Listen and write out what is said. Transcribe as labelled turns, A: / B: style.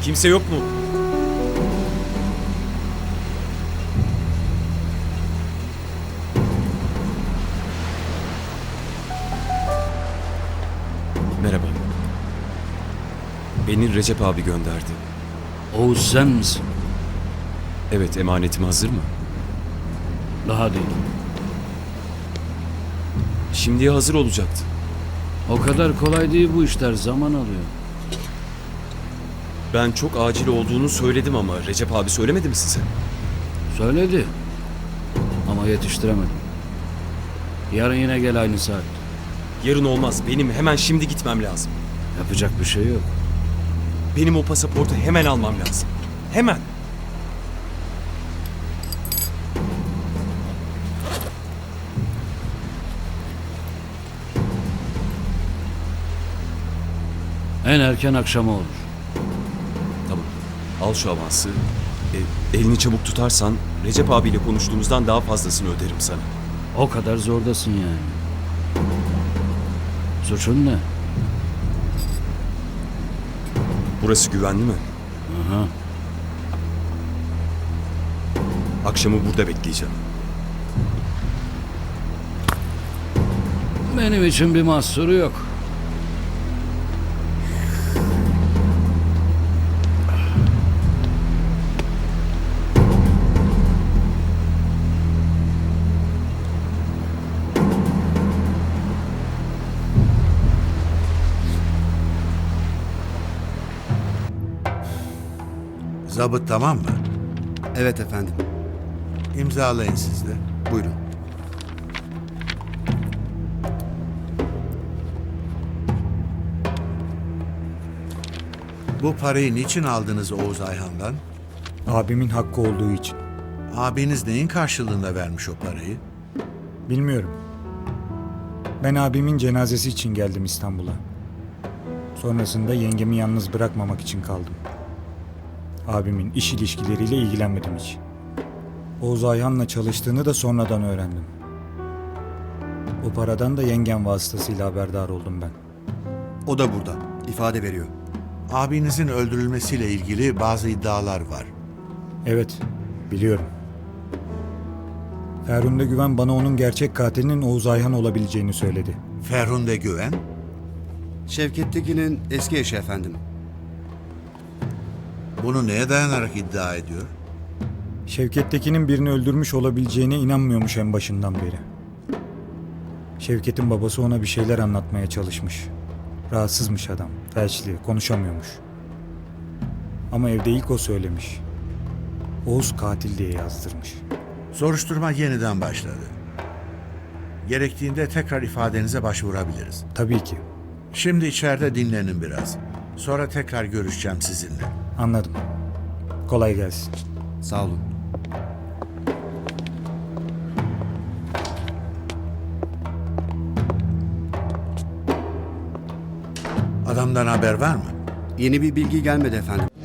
A: Kimse yok mu? Merhaba. Beni Recep abi gönderdi.
B: Oğuz sen misin?
A: Evet, emanetim hazır mı?
B: Daha değil.
A: Şimdiye hazır olacaktı.
B: O kadar kolay değil bu işler, zaman alıyor.
A: Ben çok acil olduğunu söyledim ama Recep abi söylemedi mi size?
B: Söyledi. Ama yetiştiremedim. Yarın yine gel aynı saat.
A: Yarın olmaz. Benim hemen şimdi gitmem lazım.
B: Yapacak bir şey yok.
A: Benim o pasaportu hemen almam lazım. Hemen.
B: En erken akşama olur.
A: Tamam. Al şu avansı. Elini çabuk tutarsan Recep abiyle konuştuğumuzdan daha fazlasını öderim sana.
B: O kadar zordasın yani. Suçun ne?
A: Burası güvenli mi?
B: Aha.
A: Akşamı burada bekleyeceğim.
B: Benim için bir mahsuru yok.
C: Zabıt tamam mı?
D: Evet efendim.
C: İmzalayın siz de.
D: Buyurun.
C: Bu parayı niçin aldınız Oğuz Ayhan'dan?
E: Abimin hakkı olduğu için.
C: Abiniz neyin karşılığında vermiş o parayı?
E: Bilmiyorum. Ben abimin cenazesi için geldim İstanbul'a. Sonrasında yengemi yalnız bırakmamak için kaldım. Abimin iş ilişkileriyle ilgilenmedim hiç. Oğuz Ayhan'la çalıştığını da sonradan öğrendim. O paradan da yengem vasıtasıyla haberdar oldum ben.
D: O da burada. İfade veriyor.
C: Abinizin öldürülmesiyle ilgili bazı iddialar var.
E: Evet, biliyorum. Ferhunde Güven bana onun gerçek katilinin Oğuz Ayhan olabileceğini söyledi.
C: Ferhunde Güven,
D: Şevket Tekin'in eski eşi efendim.
C: bunu neye dayanarak iddia ediyor?
E: Şevket'tekinin birini öldürmüş olabileceğine inanmıyormuş en başından beri. Şevket'in babası ona bir şeyler anlatmaya çalışmış. Rahatsızmış adam, felçli, konuşamıyormuş. Ama evde ilk o söylemiş. Oğuz katil diye yazdırmış.
C: Soruşturma yeniden başladı. Gerektiğinde tekrar ifadenize başvurabiliriz.
E: Tabii ki,
C: Şimdi içeride dinlenin biraz. Sonra tekrar görüşeceğim sizinle.
E: anladım. Kolay gelsin.
D: Sağ olun.
C: Adamdan haber var mı?
D: Yeni bir bilgi gelmedi efendim.